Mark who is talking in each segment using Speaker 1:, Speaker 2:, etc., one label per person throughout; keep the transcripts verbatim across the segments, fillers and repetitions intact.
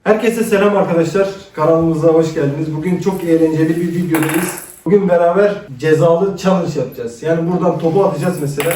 Speaker 1: Herkese selam arkadaşlar. Kanalımıza hoş geldiniz. Bugün çok eğlenceli bir videodayız. Bugün beraber cezalı challenge yapacağız. Yani buradan topu atacağız mesela.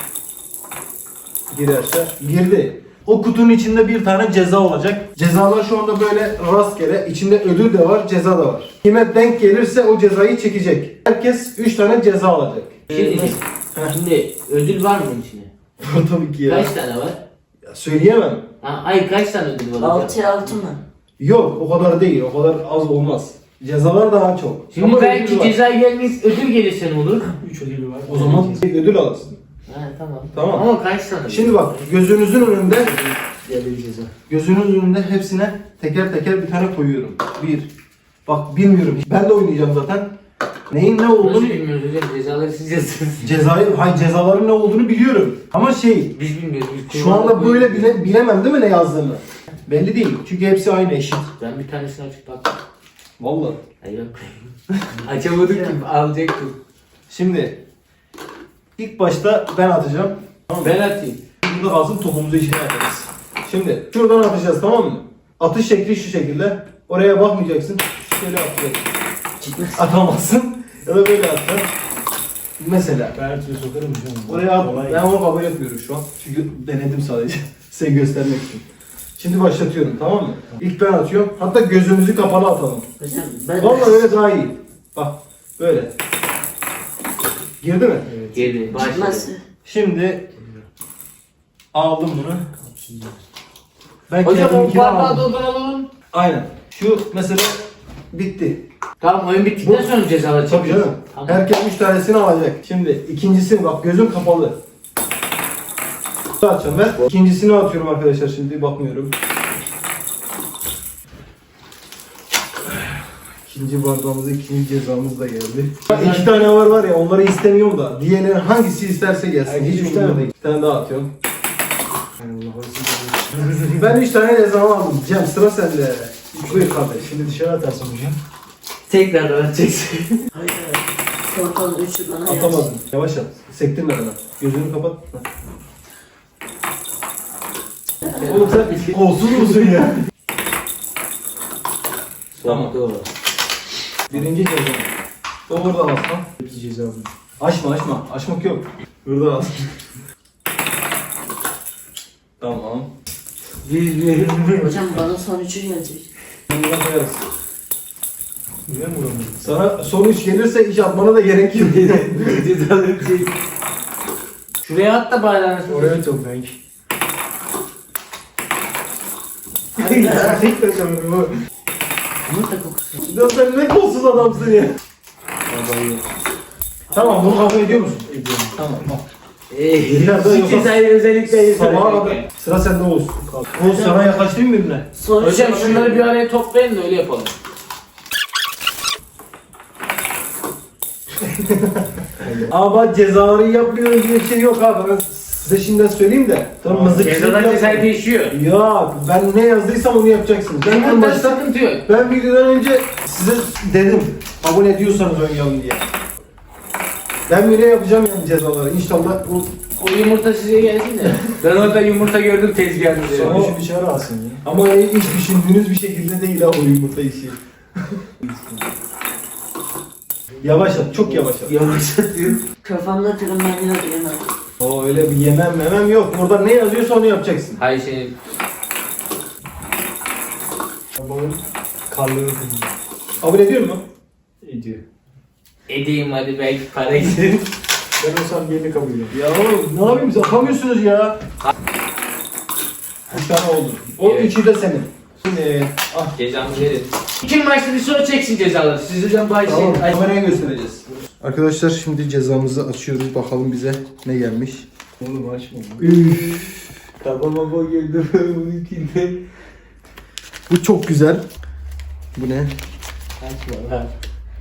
Speaker 1: Girerse. Girdi. O kutunun içinde bir tane ceza olacak. Cezalar şu anda böyle rastgele. İçinde ödül de var, ceza da var. Kime denk gelirse o cezayı çekecek. Herkes üç tane ceza alacak.
Speaker 2: Şey, şimdi ödül var mı içine?
Speaker 1: Tabii ki ya.
Speaker 2: Kaç tane var?
Speaker 1: Ya söyleyemem.
Speaker 2: Ha, ay kaç tane ödül var hocam?
Speaker 3: Altıya altı mı?
Speaker 1: Yok, o kadar değil. O kadar az olmaz. Cezalar daha çok.
Speaker 2: Şimdi
Speaker 1: Ama
Speaker 2: belki
Speaker 1: ödül var.
Speaker 2: ceza gelmeyiz, ödül gelirse ne olur?
Speaker 4: üç ödülü var.
Speaker 1: O zaman bir ödül alırsın.
Speaker 2: Ha tamam.
Speaker 1: Tamam.
Speaker 2: Ama kaç tane?
Speaker 1: Şimdi bak, gözünüzün önünde
Speaker 4: Diğerleri ceza.
Speaker 1: gözünüzün önünde hepsine teker teker bir tane koyuyorum. Bir. Bak bilmiyorum. Ben de oynayacağım zaten. Neyin ne
Speaker 2: Nasıl
Speaker 1: olduğunu,
Speaker 2: bilmiyoruz hocam? Cezaları siz yazıyorsunuz.
Speaker 1: cezayı, hay cezaların ne olduğunu biliyorum. Ama şey,
Speaker 2: Biz bilmiyoruz. Biz
Speaker 1: şu anda böyle bile, bilemem değil mi ne yazdığını? Belli değil. Çünkü hepsi aynı, eşit.
Speaker 2: Ben bir tanesini açıp baktım.
Speaker 1: Vallahi.
Speaker 2: Hayır yok. Açamadık ki alacaktım.
Speaker 1: Şimdi ilk başta ben atacağım. Tamam mı?
Speaker 2: Ben atayım.
Speaker 1: Burada kalsın, topumuzu içine atarız. Şimdi şuradan atacağız, tamam mı? Atış şekli şu şekilde. Oraya bakmayacaksın. Şöyle atacaksın. Atamazsın. Ya da böyle atacaksın. Mesela.
Speaker 4: Ben her türlü sokarım hocam.
Speaker 1: Oraya at.
Speaker 4: Kolay.
Speaker 1: Ben onu kabul etmiyorum şu an. Çünkü denedim sadece. Size göstermek için. Şimdi başlatıyorum, tamam mı? İlk ben atıyorum. Hatta gözümüzü kapalı atalım.
Speaker 3: Hocam ben
Speaker 1: Vallahi öyle daha iyi. Bak böyle. Girdi mi?
Speaker 4: Evet.
Speaker 2: Geri başladı.
Speaker 3: Nasıl?
Speaker 1: Şimdi aldım bunu. Ben
Speaker 2: Hocam o
Speaker 1: kendimkini
Speaker 2: bardağı
Speaker 1: aldım.
Speaker 2: dolduralım.
Speaker 1: Aynen. Şu mesela bitti.
Speaker 2: Tamam oyun bittikten
Speaker 1: Bu-
Speaker 2: sonra cezalar
Speaker 1: Tabii
Speaker 2: çekiyoruz.
Speaker 1: canım.
Speaker 2: Tamam.
Speaker 1: Herkes üç tanesini alacak. Şimdi ikincisini bak, gözüm kapalı. Açacağım ben. İkincisini atıyorum arkadaşlar, şimdi bakmıyorum. İkinci bardağımızda ikinci cezamız da geldi. İki tane var var ya, onları istemiyorum da. Diğerleri hangisi isterse gelsin.
Speaker 4: Herkes
Speaker 1: Hiç
Speaker 4: üç
Speaker 1: umurumda
Speaker 4: tane.
Speaker 1: değil. Bir tane daha atıyorum.
Speaker 4: Yani Allah olsun.
Speaker 1: Ben üç tane cezamı aldım. Cem sıra sende. Buyur kardeş.
Speaker 4: Şimdi dışarı atarsın hocam.
Speaker 2: Tekrar atacaksın.
Speaker 3: Hayır. Korkan üçü bana yazdı.
Speaker 1: Atamadım. Yavaş at. Sektirme bana. Gözünü kapat. Oğlum sen kolsuz musun ya? Tamam.
Speaker 2: Doğru.
Speaker 1: Birinci ceza. Doğru da asma.
Speaker 4: Hepsi ceza alıyor.
Speaker 1: Açma açma. Açmak yok. Burada as. Tamam.
Speaker 2: Biz bir
Speaker 3: Hocam bana son üçü gelecek.
Speaker 1: Bunu da koyarız.
Speaker 4: Niye mi vuramadın?
Speaker 1: Sana son üç gelirse iş atmana da gerek yok.
Speaker 2: cezaları çek. Şuraya at da bayrağını.
Speaker 4: Oraya çok belki.
Speaker 1: Tek taşamıyorum bu.
Speaker 2: Yumurta kokusu.
Speaker 1: Ya sen ne kolsuz adamsın ya.
Speaker 4: Babayı
Speaker 1: Tamam, bunu kabul ediyor musun?
Speaker 4: ediyorum.
Speaker 1: Tamam. Tamam.
Speaker 2: Eee,
Speaker 1: Biraz daha
Speaker 2: şu
Speaker 1: yapalım.
Speaker 2: cezayı özellikle
Speaker 1: Sabaha
Speaker 2: yapıyorum.
Speaker 1: kadar. Sıra sende Oğuz. Oğuz sana yaklaştın mı birbirine?
Speaker 3: Son
Speaker 2: Hocam
Speaker 3: üçü bana
Speaker 2: şunları bir
Speaker 3: geldi.
Speaker 2: araya toplayın da öyle yapalım.
Speaker 1: Ama cezaları yapmıyoruz diye bir şey yok abi. Ben size şimdiden söyleyeyim de. Tamam, mızıkçılık
Speaker 2: Cezadan
Speaker 1: yapmayın.
Speaker 2: cezayı değişiyor.
Speaker 1: Ya ben ne yazdıysam onu yapacaksınız. Ben en
Speaker 2: Bunda
Speaker 1: başta
Speaker 2: sıkıntı yok.
Speaker 1: ben videodan önce size dedim. Abone ediyorsanız oynayalım diye. Ben bile yapacağım yani cezaları. İnşallah bu
Speaker 2: O yumurta size gelsin de. Ben orada yumurta gördüm tezgahınızda.
Speaker 4: Sonra
Speaker 1: Ama-
Speaker 4: şu dışarı alsın ya.
Speaker 1: ama hiç düşündüğünüz bir şekilde değil ha o yumurta işi. Yavaş at, çok yavaş at.
Speaker 2: Yavaş atıyor.
Speaker 3: Kafamda tırmanıyor diyemem.
Speaker 1: O öyle bir yemem memem yok. Burada ne yazıyorsa onu yapacaksın.
Speaker 2: Hayır şey.
Speaker 4: Babanın karlığını kırmıyor.
Speaker 1: Kabul ediyor musun?
Speaker 4: Ediyor.
Speaker 2: Edeyim hadi belki para giderim.
Speaker 4: Ben olsam yerini kabul ediyorum.
Speaker 1: Ya oğlum ne yapayım, biz atamıyorsunuz ya. Bir tane oldu. O
Speaker 2: Evet.
Speaker 1: üçü de senin. Şimdi ah
Speaker 2: Cezamı verin. Kim başta bir sonra çeksin cezaları. Siz hocam başlayın.
Speaker 1: tamam, kameraya göstereceğiz. Arkadaşlar şimdi cezamızı açıyoruz. Bakalım bize ne gelmiş.
Speaker 4: Oğlum açma.
Speaker 1: Üf.
Speaker 2: Kafama bu girdi bunun içinde.
Speaker 1: Bu çok güzel. Bu ne?
Speaker 2: Açma lan.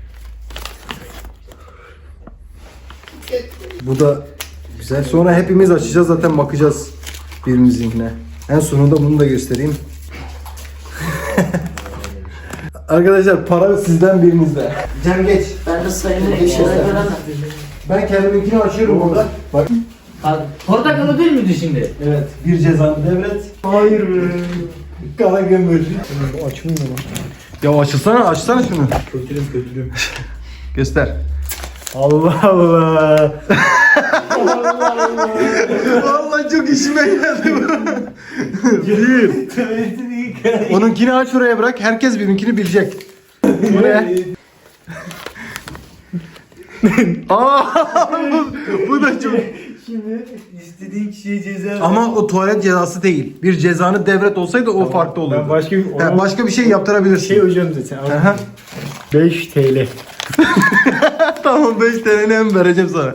Speaker 1: Bu da güzel. Sonra hepimiz açacağız, zaten bakacağız birbirimizinkine. En sonunda bunu da göstereyim. Arkadaşlar para sizden birinizde. Cem geç.
Speaker 3: Ben de sayımı eşyada göremem.
Speaker 1: Ben kendiminkini açıyorum burada. Bak.
Speaker 2: Ha, portakalı değil miydi şimdi?
Speaker 1: Evet. Bir cezanı devret. Hayır be. Kara gömür.
Speaker 4: Açmıyor mu?
Speaker 1: Ya açılsana, açsana şunu.
Speaker 4: Kötürüm kötürüm.
Speaker 1: Göster.
Speaker 4: Allah Allah.
Speaker 1: Vallahi çok işime geldi bu. Bir. Onunkini aç oraya bırak. Herkes benimkini bilecek. Bu ne? Aa, bu, bu da çok.
Speaker 4: Şimdi istediğin kişiye ceza
Speaker 1: Ama o tuvalet cezası değil. Bir cezanı devret olsaydı o farklı olurdu.
Speaker 4: Ben başka bir,
Speaker 1: Ha, başka bir şey yaptırabilirsin.
Speaker 4: şey hocam zaten.
Speaker 1: Aha.
Speaker 4: beş TL.
Speaker 1: Tamam beş T L'ni hem vereceğim sana.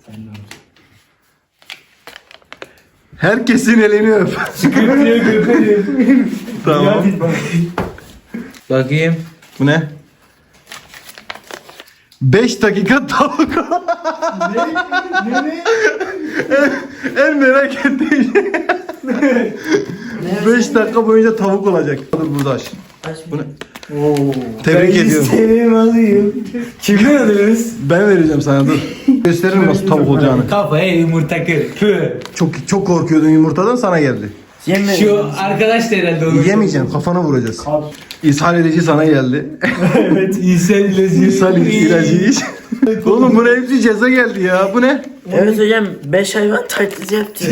Speaker 1: Herkesin elini öp.
Speaker 4: Köpürüyor köpürüyor.
Speaker 1: Tamam.
Speaker 2: Bakayım.
Speaker 1: Bu ne? beş dakika tavuk.
Speaker 4: Ne ne?
Speaker 1: En merak ettiğim şey. beş dakika boyunca tavuk olacak. Dur burada aç.
Speaker 3: Aç
Speaker 1: Bu ne?
Speaker 4: Oo.
Speaker 1: Tebrik
Speaker 4: Ben
Speaker 1: ediyorum.
Speaker 4: istediğimi alayım. Kimden alıyoruz?
Speaker 1: Ben vereceğim sana dur. Gösteririm nasıl tavuk olacağını.
Speaker 2: Kafaya yumurta kır. Püh.
Speaker 1: Çok çok korkuyordun yumurtadan, sana geldi.
Speaker 3: Yeme.
Speaker 2: Şu arkadaş da herhalde olur.
Speaker 1: Yemeyeceksin, kafana vuracağız.
Speaker 4: Kap.
Speaker 1: İshal edici sana geldi.
Speaker 4: Evet.
Speaker 2: İnsan ilacı.
Speaker 1: İshal ilacı iç. Oğlum buna hepsi ceza geldi ya. Bu ne?
Speaker 3: Evet hocam beş hayvan taklidi yaptı.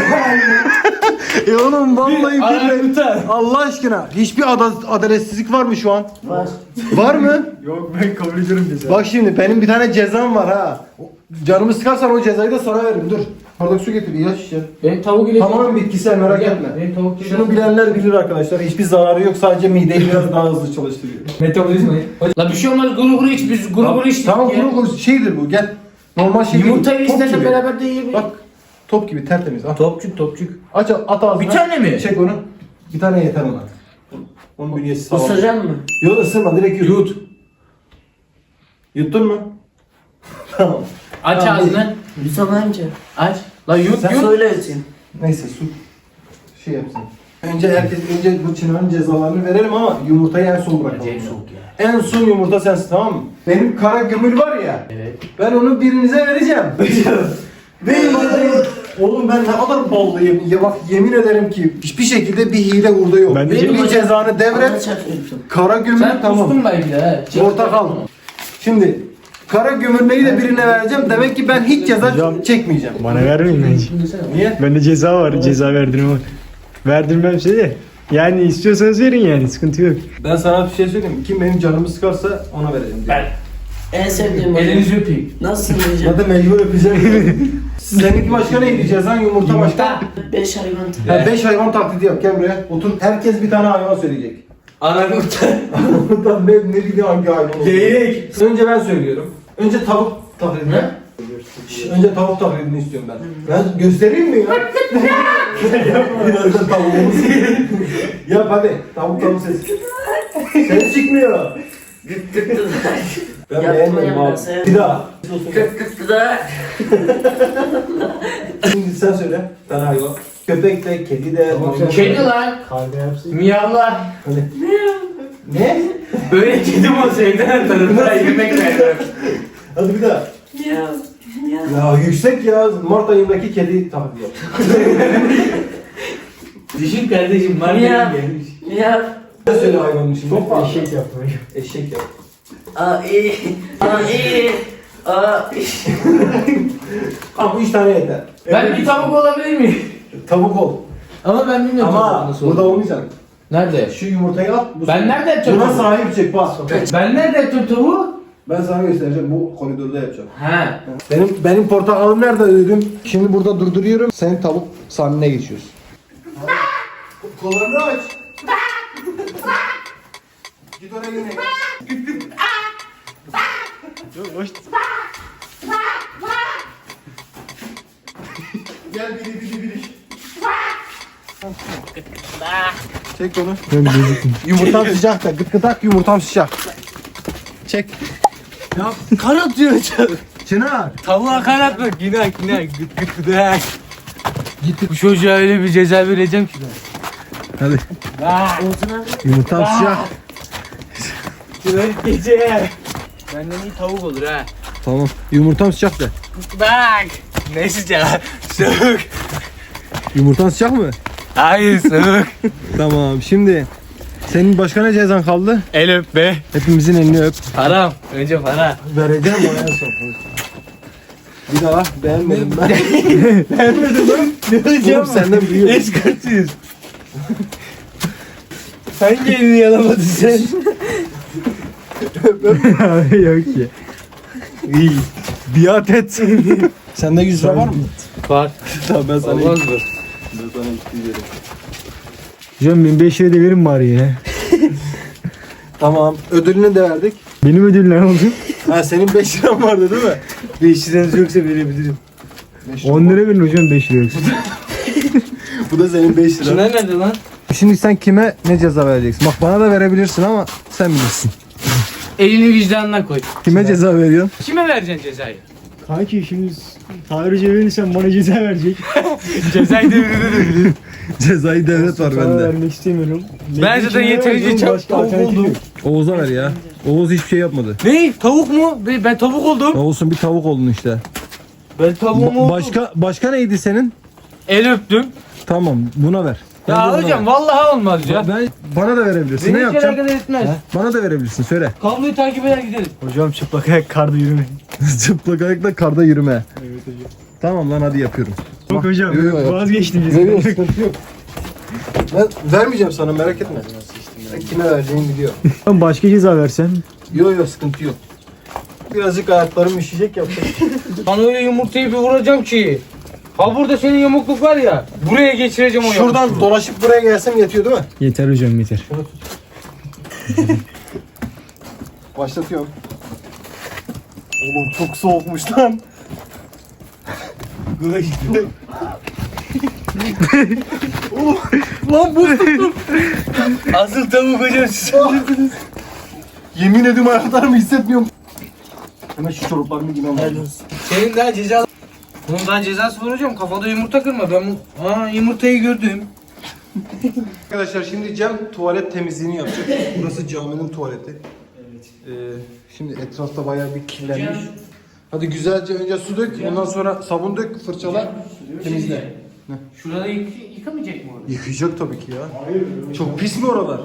Speaker 1: E oğlum vallahi billahi.
Speaker 2: Armuta.
Speaker 1: Allah aşkına hiçbir ada- adaletsizlik var mı şu an?
Speaker 3: Var.
Speaker 1: Var mı?
Speaker 4: Yok ben kabul ediyorum ceza.
Speaker 1: Bak şimdi benim bir tane cezam var ha. Canımı sıkarsan o cezayı da sana veririm. Dur. Bardak su getir, ilaç içeceğim.
Speaker 2: Benim tavuk ilacı.
Speaker 1: Tamamen bitkisel, merak
Speaker 2: Gel,
Speaker 1: etme.
Speaker 2: benim tavuk ilacı.
Speaker 1: Şunu bilenler bilir arkadaşlar. Hiçbir zararı yok. Sadece mideyi biraz daha hızlı çalıştırıyor.
Speaker 2: Metabolizmayı. La bir şey olmaz, guru guru iç, biz guru guru içtik
Speaker 1: Tamam,
Speaker 2: ya.
Speaker 1: kuru kuru şeydir bu. Gel. Normal şey değil.
Speaker 2: Yumurtayı
Speaker 1: Top
Speaker 2: istersen
Speaker 1: gibi.
Speaker 2: beraber de yiyebiliriz.
Speaker 1: Bak. Top gibi tertemiz. Al.
Speaker 2: Topçuk topçuk.
Speaker 1: Aç at ağzına.
Speaker 2: Bir tane mi?
Speaker 1: Çek onu. Bir tane yeter ona. Onun bünyesi sağlam.
Speaker 3: Isıracak mı?
Speaker 1: Yok ısırma, direkt yut. Yut. Yuttun mu? Tamam.
Speaker 2: Aç
Speaker 1: Tamam,
Speaker 2: ağzını.
Speaker 3: Yusuf amca.
Speaker 2: Aç. La yut
Speaker 1: Sen
Speaker 2: yut.
Speaker 3: Söyle yutayım.
Speaker 1: Neyse su şey yapsın. Önce herkes önce bu Çınar'ın cezalarını verelim ama yumurtayı en son bırakalım.
Speaker 2: Acayip soğuk ya.
Speaker 1: En son yumurta sensin, tamam mı? Benim kara gümül var ya.
Speaker 2: Evet.
Speaker 1: Ben onu birinize vereceğim. Benim adamım. Oğlum ben ne kadar ballıyım. Ya bak yemin ederim ki hiçbir şekilde bir hile burada yok.
Speaker 4: Ben de
Speaker 1: Benim
Speaker 3: Benim
Speaker 1: bu cezanı
Speaker 3: Bana
Speaker 1: devret.
Speaker 3: çarpıyorsun.
Speaker 1: Kara gümül
Speaker 2: Sen
Speaker 1: tamam.
Speaker 2: kustun belki de ha. Çek.
Speaker 1: Portakal. Şimdi kara gümürneyi de birine vereceğim. Demek ki ben hiç ceza
Speaker 4: Hocam-
Speaker 1: çekmeyeceğim.
Speaker 4: Bana vermeyin bence.
Speaker 1: Niye?
Speaker 4: Bende ceza var. Ceza verdirme var. Verdirmem şey de. Yani istiyorsanız verin yani. Sıkıntı yok.
Speaker 1: Ben sana bir şey söyleyeyim. Kim benim canımı sıkarsa ona vereceğim.
Speaker 2: Ben.
Speaker 3: En sevdiğim hocam.
Speaker 2: Elinizi öpeyim.
Speaker 3: Nasıl yiyeceğim?
Speaker 1: Ya da mecbur öpeceğim. Seninki başka neydi? Cezan yumurta başka.
Speaker 3: Beş hayvan taklidi.
Speaker 1: Ha, beş hayvan taklidi yap, gel buraya. Otur. Herkes bir tane hayvan söyleyecek.
Speaker 2: Anamurta.
Speaker 1: Buradan ne, ne bileyim hangi hayvan oldu.
Speaker 2: Geyik.
Speaker 1: Önce ben söylüyorum. Önce tavuk taklidini.
Speaker 2: Ne?
Speaker 1: Şş, Önce tavuk taklidini istiyorum ben. Ben göstereyim mi ya? Birazdan tavuğumuz. Yap hadi. Tavuk tavuk sesi. Ses çıkmıyor.
Speaker 3: Gıt gıt gıt.
Speaker 1: Ben
Speaker 3: Yapma
Speaker 1: beğenmedim
Speaker 3: ya,
Speaker 1: abi.
Speaker 3: ben sevdim.
Speaker 1: Bir daha.
Speaker 3: Gıt gıt gıt da.
Speaker 1: Şimdi sen söyle. Ben hayvan. Köpek de, kedi de. maymun da.
Speaker 2: Kedi lan.
Speaker 4: Kahve yapsın.
Speaker 2: Miyavlar.
Speaker 1: Hadi. Ne?
Speaker 2: Böyle kedi mi olsa evden tanıdılar yemek verdiler.
Speaker 1: Hadi bir daha.
Speaker 3: Ya. Ya.
Speaker 1: Ya yüksek ya. Mart ayındaki kedi taklidi yap.
Speaker 2: Düşün kardeşim var
Speaker 3: Ya.
Speaker 2: ya. gelmiş.
Speaker 3: Ya.
Speaker 1: Sen söyle hayvanın şimdi.
Speaker 4: Çok fazla eşek yaptım.
Speaker 1: Eşek yap.
Speaker 3: Aa iyi. Aa iyi. Aa iyi.
Speaker 1: Ama üç tane yeter.
Speaker 2: Ben bir tavuk olabilir miyim?
Speaker 1: Tavuk ol.
Speaker 2: Ama ben bilmiyorum tavuğun
Speaker 1: Ama
Speaker 2: nasıl
Speaker 1: burada
Speaker 2: olduğunu.
Speaker 1: olmayacaksın.
Speaker 2: Nerede?
Speaker 1: Şu yumurtayı at. Bu
Speaker 2: Ben nerede yapacağım
Speaker 1: Buna
Speaker 2: onu?
Speaker 1: sahip çık bak.
Speaker 2: Ben nerede yaptım tavuğu?
Speaker 1: Ben sana göstereceğim. Bu koridorda yapacağım.
Speaker 2: He.
Speaker 1: Benim benim portakalım nerede dedim. Şimdi burada durduruyorum. Senin tavuk sahnene geçiyorsun. Kollarını aç. Git oraya yine.
Speaker 4: Hoş.
Speaker 1: Gel biri biri biri. Çek onu.
Speaker 4: Ben gözüküm.
Speaker 1: Yumurtam sıcak da gıt gıdak yumurtam sıcak. Çek.
Speaker 2: Ya kan atıyor çar.
Speaker 1: Çınar.
Speaker 2: Tavuğa kan atma. Günah günah. Gıt gıt gıdak. Git bu çocuğa öyle bir ceza vereceğim ki ben.
Speaker 1: Hadi.
Speaker 2: Ah.
Speaker 3: Olsun abi.
Speaker 1: Yumurtam sıcak.
Speaker 2: Çırak gece. Benden iyi tavuk olur ha.
Speaker 1: Tamam. Yumurtam sıcak da.
Speaker 2: Bak. Ne sıcak? Soğuk.
Speaker 1: Yumurtan sıcak mı?
Speaker 2: Hayır soğuk.
Speaker 1: Tamam şimdi senin başka ne cezan kaldı?
Speaker 2: El öp be.
Speaker 1: Hepimizin elini öp.
Speaker 2: Param. Önce para.
Speaker 1: Vereceğim o en son. Bir daha beğenmedim ben. Beğenmedim lan. Oğlum senden büyüyor.
Speaker 2: Eskartıyız. Hangi elini yalamadın sen?
Speaker 4: Yok ki.
Speaker 1: İyi. Biat et. Sende yüz lira var mı?
Speaker 2: Var.
Speaker 1: Tamam ben sana
Speaker 2: Olmaz
Speaker 1: iki-
Speaker 2: mı?
Speaker 1: ben sana iki yüz veririm.
Speaker 4: Hocam ben beş lira da verin bari ya.
Speaker 1: Tamam. Ödülünü de verdik.
Speaker 4: Benim ödül ne oldu?
Speaker 1: Ha senin beş liran vardı değil mi?
Speaker 2: beş liranız yoksa verebilirim.
Speaker 4: on lira verin hocam beş lira yoksa.
Speaker 1: Bu da senin beş liran.
Speaker 2: Şunlar nerede lan?
Speaker 1: Şimdi sen kime ne ceza vereceksin? Bak bana da verebilirsin ama sen bilirsin.
Speaker 2: Elini vicdanına koy.
Speaker 1: Kime ceza veriyorsun?
Speaker 2: Kime vereceksin cezayı?
Speaker 4: Kanki şimdi Tahir Hoca verirsen bana ceza verecek.
Speaker 2: Cezayı devrede.
Speaker 1: Cezayı devlet var
Speaker 4: Sana
Speaker 1: bende.
Speaker 4: vermek istemiyorum.
Speaker 2: Ben zaten yeterince çok
Speaker 4: Başka
Speaker 2: tavuk
Speaker 4: alternatif
Speaker 2: oldum.
Speaker 4: yok.
Speaker 1: Oğuz'a ver ya. Oğuz hiçbir şey yapmadı.
Speaker 2: Ne? Tavuk mu? Ben ben tavuk oldum.
Speaker 1: Oğuz'un bir tavuk oldun işte.
Speaker 2: Ben tavuğum
Speaker 1: Ba-
Speaker 2: oldum.
Speaker 1: başka başka neydi senin?
Speaker 2: El öptüm.
Speaker 1: Tamam buna ver. Bence
Speaker 2: Ya
Speaker 1: buna
Speaker 2: hocam
Speaker 1: ver.
Speaker 2: vallahi olmaz ya.
Speaker 1: Ben bana da verebilirsin.
Speaker 2: Beni
Speaker 1: ne
Speaker 2: hiç
Speaker 1: yapacaksın?
Speaker 2: alakadar etmez.
Speaker 1: Bana da verebilirsin. Söyle.
Speaker 2: Kabloyu takip eder gidelim.
Speaker 4: Hocam çıplak ayak karda yürüme.
Speaker 1: Çıplak ayakla karda yürüme.
Speaker 4: Evet hocam.
Speaker 1: Tamam lan hadi yapıyorum.
Speaker 4: Yok hocam
Speaker 1: Yok, yok.
Speaker 4: vazgeçtim.
Speaker 1: Veriyor sıkıntı yok. Ben vermeyeceğim sana merak etme. Ben kime vereceğimi biliyor.
Speaker 4: Ben başka ceza versem.
Speaker 1: Yok yok sıkıntı yok. Birazcık ayaklarım üşüyecek yapacak.
Speaker 2: Bana öyle yumurtayı bir vuracağım ki. Ha burada senin yamukluk var ya. Buraya geçireceğim o yamukluğu.
Speaker 1: Şuradan dolaşıp buraya gelsem yetiyor değil mi?
Speaker 4: Yeter hocam yeter.
Speaker 1: Başlatıyorum. Oğlum çok soğukmuş lan. Oğlum, lan buz tuttum.
Speaker 2: Asıl tavuk hocam siz.
Speaker 1: Yemin ediyorum ayaklarımı hissetmiyorum. Hemen şu çoraplarımı giymem lazım.
Speaker 2: Senin daha ceza... Bunun daha cezası var hocam. Kafada yumurta kırma. Ben bu... Aa yumurtayı gördüm.
Speaker 1: Arkadaşlar şimdi Cem tuvalet temizliğini yapacak. Burası caminin tuvaleti. Evet. Ee, şimdi etrafta bayağı bir kirlenmiş. Hadi güzelce önce su dök, ondan sonra sabun dök, fırçala, temizle.
Speaker 2: Şurada yık yıkamayacak mı orada?
Speaker 1: Yıkayacak tabii ki ya. Çok pis mi oralar?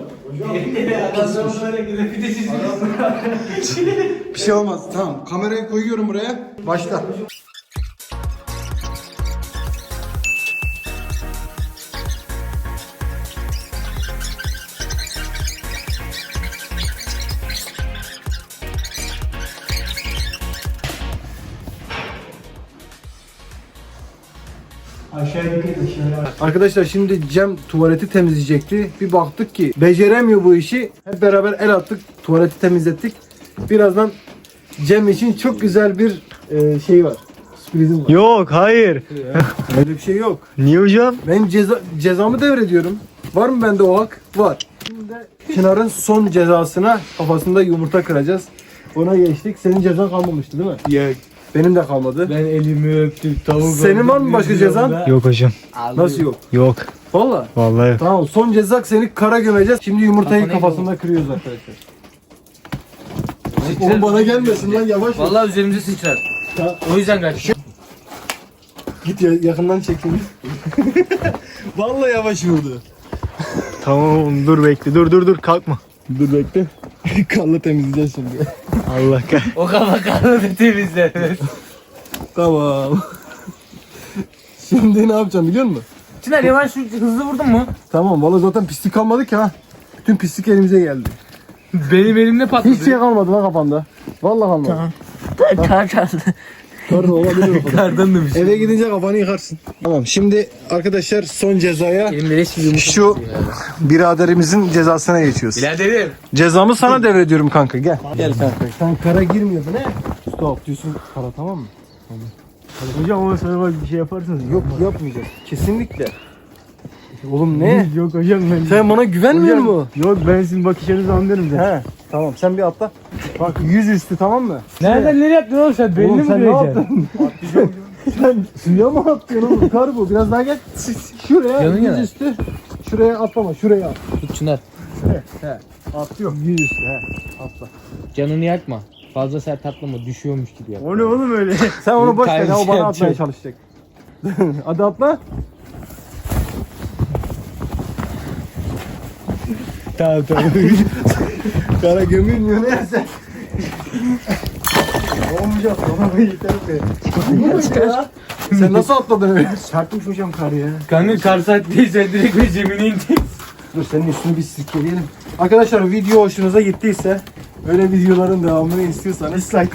Speaker 1: Bir şey olmaz. Tamam. Kamerayı koyuyorum buraya. Başla.
Speaker 4: Aşağı dikkat aşağıya.
Speaker 1: Arkadaşlar şimdi Cem tuvaleti temizleyecekti. Bir baktık ki beceremiyor bu işi. Hep beraber el attık. Tuvaleti temizlettik. Birazdan Cem için çok güzel bir e, şey var. Sürprizim var.
Speaker 4: Yok hayır.
Speaker 1: Öyle bir şey yok.
Speaker 4: Niye hocam?
Speaker 1: Ben ceza, cezamı devrediyorum. Var mı bende o hak? Var. Şimdi de Çınar'ın son cezasına kafasında yumurta kıracağız. Ona geçtik. Senin cezan kalmamıştı değil mi?
Speaker 2: Yok.
Speaker 1: Benim de kalmadı.
Speaker 2: Ben elimi öptüm. Tavuk
Speaker 1: Senin
Speaker 2: oldum,
Speaker 1: var mı başka
Speaker 2: yüzüyorum
Speaker 1: cezan?
Speaker 2: da.
Speaker 4: Yok hocam.
Speaker 1: Nasıl yok?
Speaker 4: Yok.
Speaker 1: Valla.
Speaker 4: Vallahi yok.
Speaker 1: Tamam son ceza seni kara gömeceğiz. Şimdi yumurtayı
Speaker 2: Kafana
Speaker 1: kafasında kırıyoruz arkadaşlar. Oğlum bana gelmesin lan yavaş. ol.
Speaker 2: Vallahi üzerimize sıçrar.
Speaker 1: Ta-
Speaker 2: O yüzden kaçtım.
Speaker 1: Git ya, yakından çekin. Vallahi yavaş vurdu.
Speaker 4: Tamam oğlum dur bekle. Dur dur dur kalkma.
Speaker 1: Dur bekle. Kanla temizleyeceğiz şimdi.
Speaker 4: Allah kah.
Speaker 2: O kafa kanını temizle.
Speaker 1: Tamam. Şimdi ne yapacağım biliyor musun?
Speaker 2: Çınar yavaş hızlı vurdun mu?
Speaker 1: Tamam valla zaten pislik kalmadı ki ha. Bütün pislik elimize geldi.
Speaker 2: Benim elimde patladı.
Speaker 1: Hiç şey kalmadı lan kafanda. Vallahi kalmadı.
Speaker 3: Kar çaldı.
Speaker 1: Pardon olabilir o kadar.
Speaker 2: Kardan da bir şey.
Speaker 1: Eve gidince kafanı yıkarsın. Tamam şimdi arkadaşlar son cezaya
Speaker 2: Elimde leş gibi yumurta.
Speaker 1: şu biraderimizin cezasına geçiyoruz.
Speaker 2: Biraderim.
Speaker 1: Cezamı sana devrediyorum kanka gel. Gel kanka. Sen kara girmiyordun he? Stop diyorsun kara tamam mı?
Speaker 4: Hocam ama sana bak bir şey yaparsanız.
Speaker 1: Yok yapmayacağız. Kesinlikle. Oğlum ne?
Speaker 4: Yok hocam ben.
Speaker 1: Sen bana güvenmiyor
Speaker 4: Hocam,
Speaker 1: musun?
Speaker 4: Yok ben sizin bakışlarınızı anlarım zaten.
Speaker 1: He. Tamam sen bir atla. Bak yüz üstü tamam mı?
Speaker 2: Nereden nereye yaptın oğlum sen? Belli
Speaker 1: Oğlum
Speaker 2: mi
Speaker 1: sen ne
Speaker 2: göreceksin?
Speaker 1: yaptın? Sen suya mı atlıyorsun oğlum? Kar bu. Biraz daha gel. Şuraya
Speaker 2: Yanın
Speaker 1: yüz
Speaker 2: yana.
Speaker 1: üstü. Şuraya atlama. Şuraya at.
Speaker 2: Tut Çınar.
Speaker 1: Atlıyorum. Yüz üstü he. Atla.
Speaker 2: Canını yakma. Fazla sert atlama. Düşüyormuş gibi yap.
Speaker 4: O ne oğlum öyle?
Speaker 1: Sen onu boş ver.
Speaker 2: Kaymış
Speaker 1: O bana
Speaker 2: yapacak.
Speaker 1: atmaya çalışacak. Hadi atla.
Speaker 4: Tamam tamam.
Speaker 1: Kara gömülmüyor neyse. Olmayacak bana yeter be. Bu ya. Sen nasıl atladın öyle?
Speaker 4: Çarpmış hocam kar ya.
Speaker 2: Kanka kar sattıysa direkt ve zemine inecek.
Speaker 1: Dur senin üstünü bir sirkeleyelim. Arkadaşlar video hoşunuza gittiyse böyle videoların devamını istiyorsanız like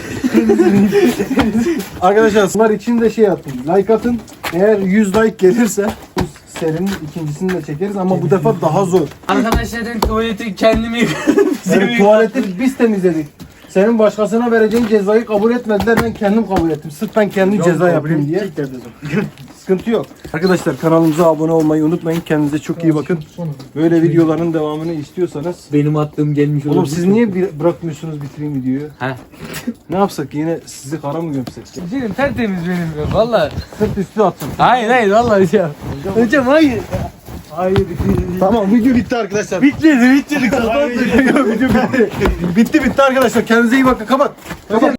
Speaker 1: Arkadaşlar bunlar için de şey atın. Like atın. Eğer yüz like gelirse bu serinin ikincisini de çekeriz ama bu defa daha zor.
Speaker 2: Arkadaşlarım tuvaleti kendimi yıkadım.
Speaker 1: Yani tuvaleti biz temizledik. Senin başkasına vereceğin cezayı kabul etmediler. Ben kendim kabul ettim. Sırf ben kendi ceza yapayım diye. Sıkıntı yok. Arkadaşlar kanalımıza abone olmayı unutmayın. Kendinize çok iyi bakın. Böyle videoların devamını istiyorsanız.
Speaker 2: Benim attığım gelmiş
Speaker 1: Oğlum siz niye bir- bırakmıyorsunuz bitireyim videoyu?
Speaker 2: He.
Speaker 1: Ne yapsak yine sizi kara mı gömsek?
Speaker 2: Benim tertemiz benim ya valla.
Speaker 1: Sırt üstü atın.
Speaker 2: Hayır hayır valla hocam. Hocam hayır.
Speaker 1: Hayır. Tamam video bitti arkadaşlar.
Speaker 2: Bitmedi bitmedi.
Speaker 1: Video bitti. Bitti bitti arkadaşlar. Kendinize iyi bakın. Kapat. Kapat.